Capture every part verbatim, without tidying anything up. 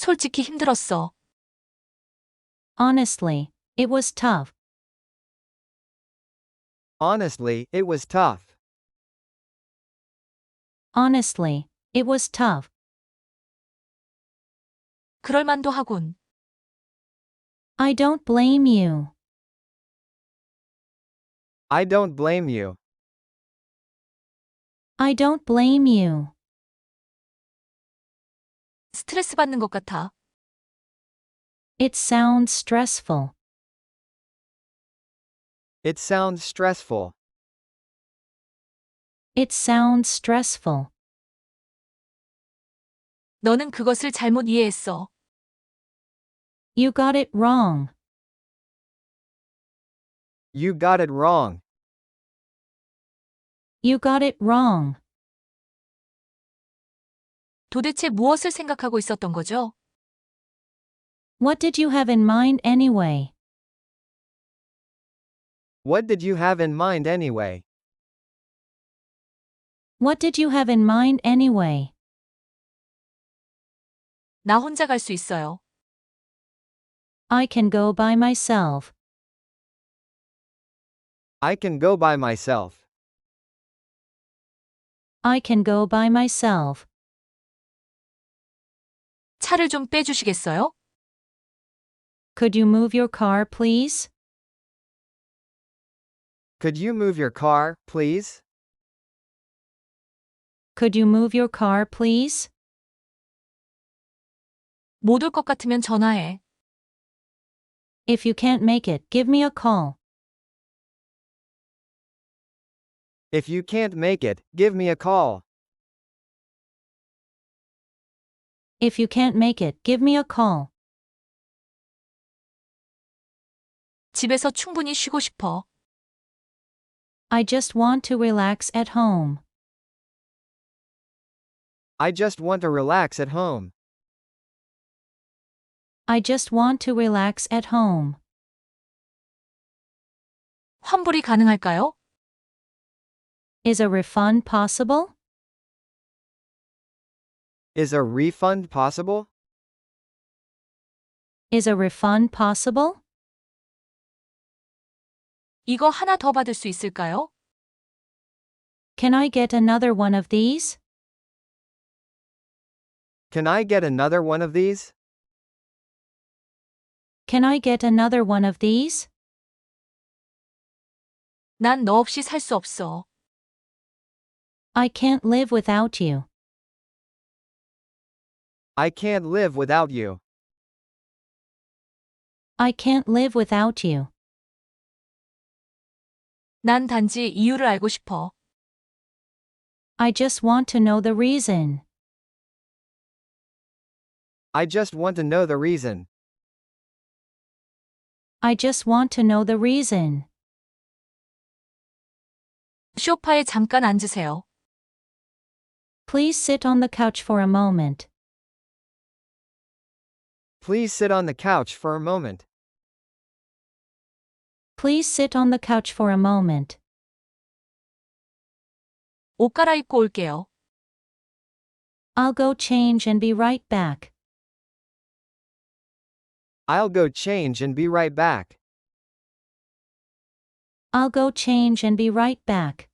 솔직히 힘들었어. Honestly, it was tough. Honestly, it was tough. Honestly, it was tough. 그럴만도 하군. I don't blame you. I don't blame you. I don't blame you. 스트레스 받는 것 같아. It sounds stressful. It sounds stressful. It sounds stressful. 너는 그것을 잘못 이해했어. You got it wrong. You got it wrong. You got it wrong. 도대체 무엇을 생각하고 있었던 거죠? What did you have in mind anyway? What did you have in mind anyway? What did you have in mind anyway? 나 혼자 갈 수 있어요. I can go by myself. I can go by myself. I can go by myself. 차를 좀 빼주시겠어요? Could you move your car, please? Could you move your car, please? Could you move your car, please? 못 올 것 같으면 전화해. If you can't make it, give me a call. If you can't make it, give me a call. If you can't make it, give me a call. 집에서 충분히 쉬고 싶어. I just want to relax at home. I just want to relax at home. I just want to relax at home. 환불이 가능할까요? Is a refund possible? Is a refund possible? Is a refund possible? 이거 하나 더 받을 수 있을까요? Can I get another one of these? Can I get another one of these? Can I get another one of these? 난 너 없이 살 수 없어. I can't live without you. I can't live without you. I can't live without you. 난 단지 이유를 알고 싶어. I just want to know the reason. I just want to know the reason. I just want to know the reason. 소파에 잠깐 앉으세요. Please sit on the couch for a moment. Please sit on the couch for a moment. Please sit on the couch for a moment. 옷 갈아입고 올게요. I'll go change and be right back. I'll go change and be right back. I'll go change and be right back.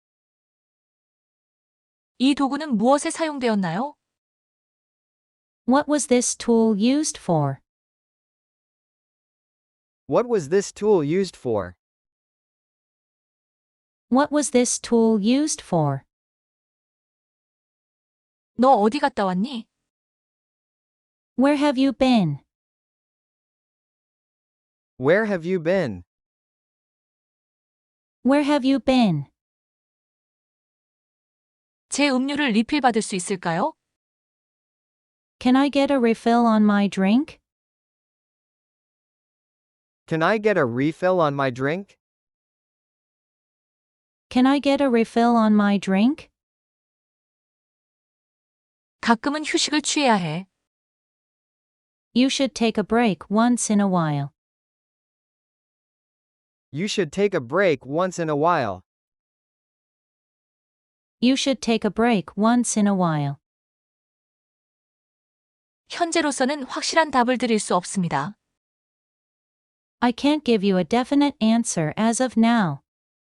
이 도구는 무엇에 사용되었나요? What was this tool used for? What was this tool used for? What was this tool used for? 너 어디 갔다 왔니? Where have you been? Where have you been? Where have you been? 제 음료를 리필 받을 수 있을까요? Can I get a refill on my drink? Can I get a refill on my drink? Can I get a refill on my drink? 가끔은 휴식을 취해야 해. You should take a break once in a while. You should take a break once in a while. You should take a break once in a while. 현재로서는 확실한 답을 드릴 수 없습니다. I can't give you a definite answer as of now.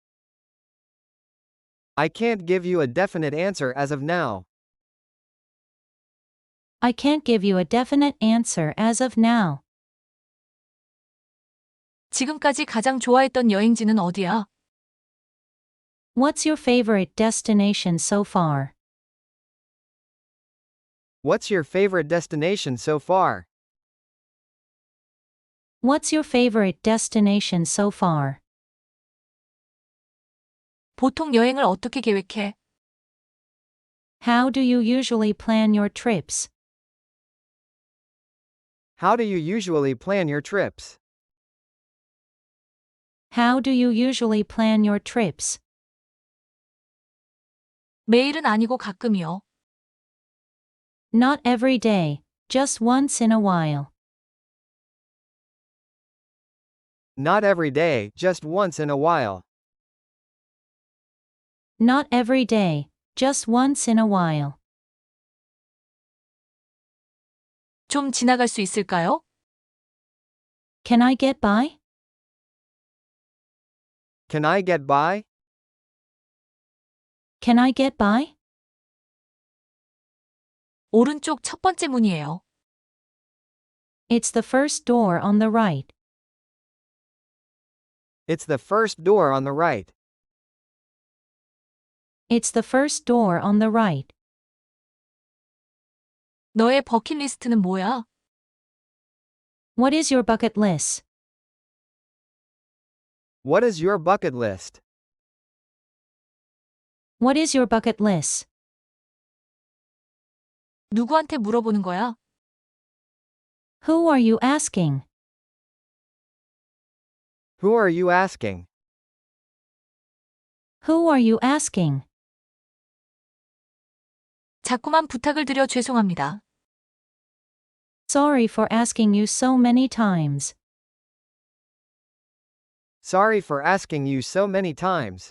I can't give you a definite answer as of now. I can't give you a definite answer as of now. 지금까지 가장 좋아했던 여행지는 어디야? What's your favorite destination so far? What's your favorite destination so far? What's your favorite destination so far? 보통 여행을 어떻게 계획해? How do you usually plan your trips? How do you usually plan your trips? How do you usually plan your trips? 매일은 아니고 가끔이요. Not every day, just once in a while. Not every day, just once in a while. Not every day, just once in a while. 좀 지나갈 수 있을까요? Can I get by? Can I get by? Can I get by? 오른쪽 첫 번째 문이에요. It's the first door on the right. It's the first door on the right. It's the first door on the right. 너의 버킷리스트는 뭐야? What is your bucket list? What is your bucket list? What is your bucket list? 누구한테 물어보는 거야? Who are you asking? Who are you asking? Who are you asking? 자꾸만 부탁을 드려 죄송합니다. Sorry for asking you so many times. Sorry for asking you so many times.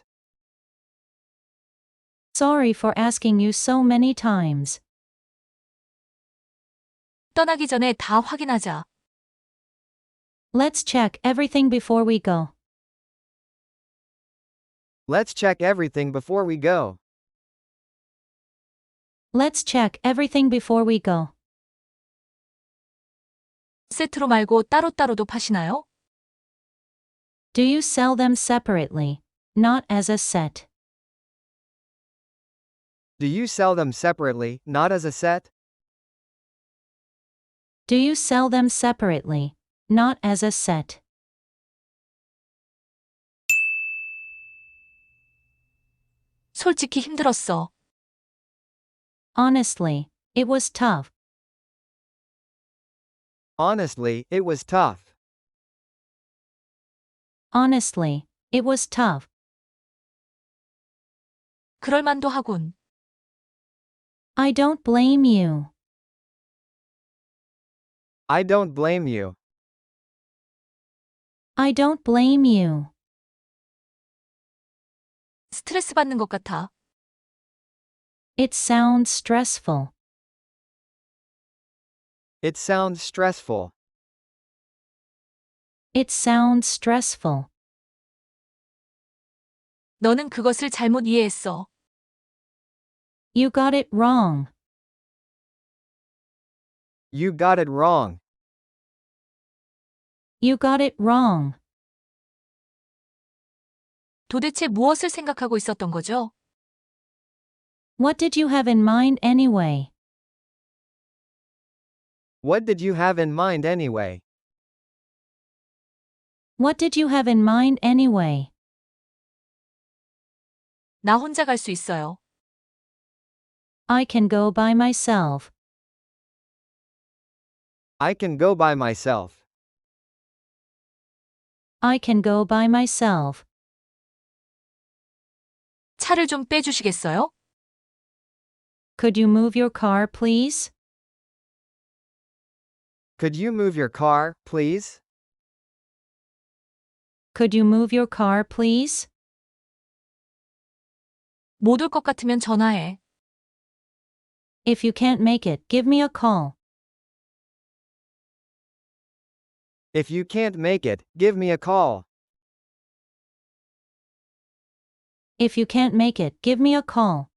Sorry for asking you so many times. 떠나기 전에 다 확인하자. Let's check everything before we go. Let's check everything before we go. Let's check everything before we go. 세트로 말고 따로따로도 파시나요? Do you sell them separately, not as a set? Do you sell them separately, not as a set? Do you sell them separately, not as a set? 솔직히 힘들었어. Honestly, it was tough. Honestly, it was tough. Honestly, it was tough. 그럴 만도 하군. I don't blame you. I don't blame you. I don't blame you. 스트레스 받는 것 같아. It sounds stressful. It sounds stressful. It sounds stressful. 너는 그것을 잘못 이해했어. You got it wrong. You got it wrong. You got it wrong. 도대체 무엇을 생각하고 있었던 거죠? What did you have in mind anyway? What did you have in mind anyway? What did you have in mind anyway? 나 혼자 갈 수 있어요. I can go by myself. I can go by myself. I can go by myself. 차를 좀 빼주시겠어요? Could you move your car, please? Could you move your car, please? Could you move your car, please? 못 올 것 같으면 전화해. If you can't make it, give me a call. If you can't make it, give me a call. If you can't make it, give me a call.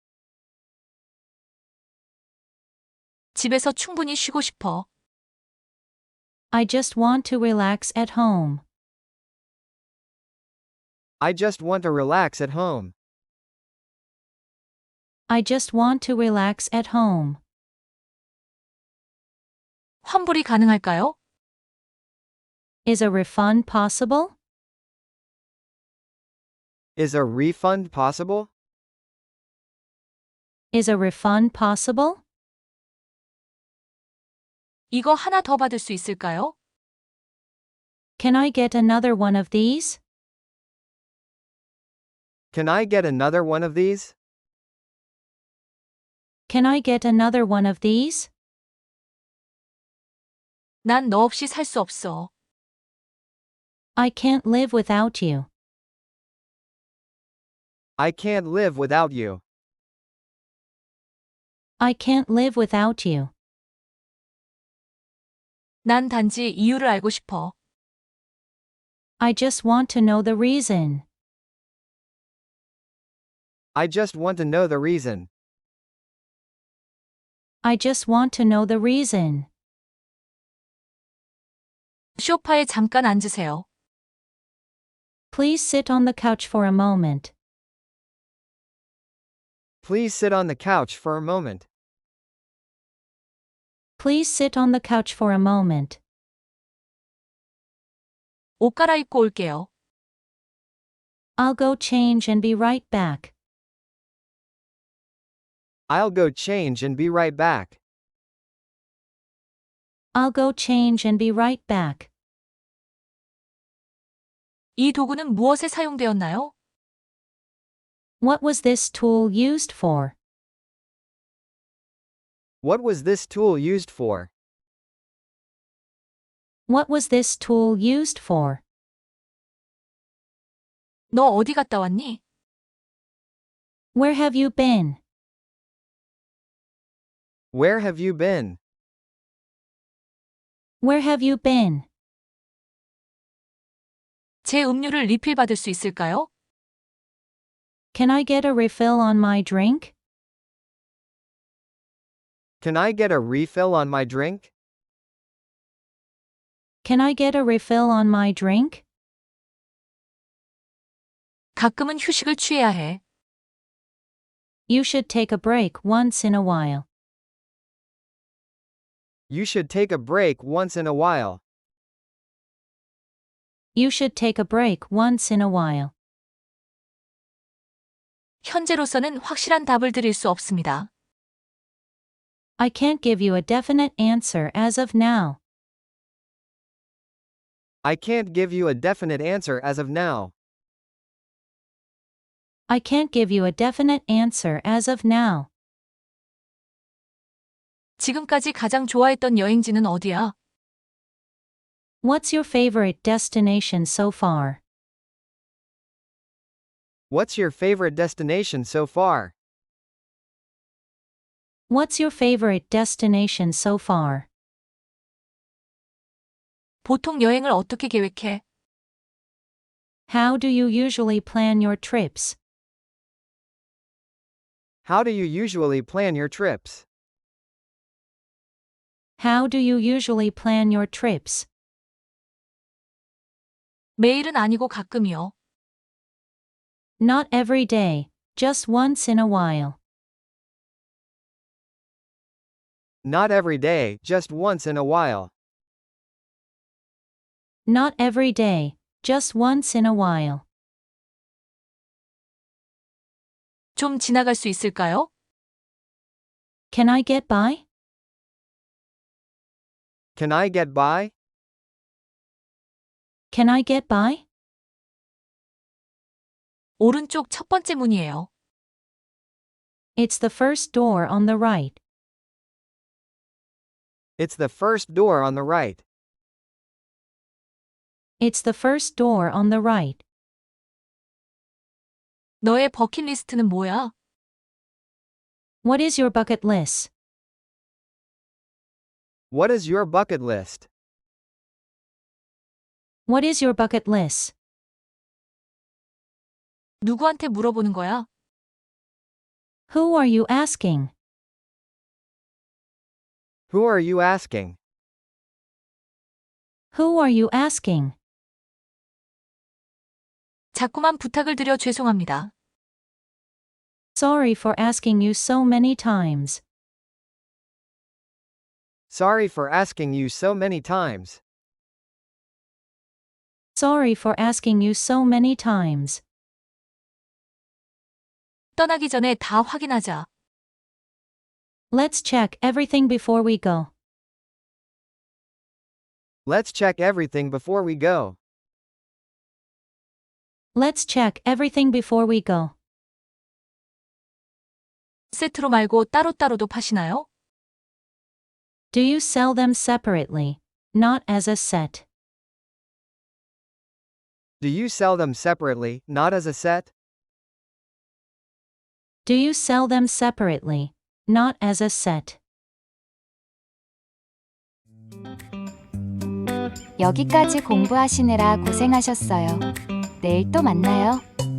집에서 충분히 쉬고 싶어. I just want to relax at home. I just want to relax at home. I just want to relax at home. 환불이 가능할까요? Is a refund possible? Is a refund possible? Is a refund possible? 이거 하나 더 받을 수 있을까요? Can I get another one of these? Can I get another one of these? Can I get another one of these? 난 너 없이 살 수 없어. I can't live without you. I can't live without you. I can't live without you. 난 단지 이유를 알고 싶어. I just want to know the reason. I just want to know the reason. I just want to know the reason. 소파에 잠깐 앉으세요. Please sit on the couch for a moment. Please sit on the couch for a moment. Please sit on the couch for a moment. 옷 갈아입고 올게요. I'll go change and be right back. I'll go change and be right back. I'll go change and be right back. 이 도구는 무엇에 사용되었나요? What was this tool used for? What was this tool used for? What was this tool used for? 너 어디 갔다 왔니? Where have you been? Where have you been? Where have you been? 제 음료를 리필 받을 수 있을까요? Can I get a refill on my drink? Can I get a refill on my drink? Can I get a refill on my drink? 가끔은 휴식을 취해야 해. You should take a break once in a while. You should take a break once in a while. You should take a break once in a while. 현재로서는 확실한 답을 드릴 수 없습니다. I can't give you a definite answer as of now. I can't give you a definite answer as of now. I can't give you a definite answer as of now. 지금까지 가장 좋아했던 여행지는 어디야? What's your favorite destination so far? What's your favorite destination so far? What's your favorite destination so far? 보통 여행을 어떻게 계획해? How do you usually plan your trips? How do you usually plan your trips? How do you usually plan your trips? 매일은 아니고 가끔이요. Not every day, just once in a while. Not every day, just once in a while. Not every day, just once in a while. 좀 지나갈 수 있을까요? Can I get by? Can I get by? Can I get by? 오른쪽 첫 번째 문이에요. It's the first door on the right. It's the first door on the right. It's the first door on the right. 너의 버킷리스트는 뭐야? What is your bucket list? What is your bucket list? What is your bucket list? 누구한테 물어보는 거야? Who are you asking? Who are you asking? Who are you asking? 자꾸만 부탁을 드려 죄송합니다. Sorry for asking you so many times. Sorry for asking you so many times. Sorry for asking you so many times. 떠나기 전에 다 확인하자. Let's check everything before we go. Let's check everything before we go. Let's check everything before we go. 세트로 말고 따로따로도 파시나요? Do you sell them separately, not as a set? Do you sell them separately, not as a set? Do you sell them separately, not as a set? 여기까지 공부하시느라 고생하셨어요. 내일 또 만나요.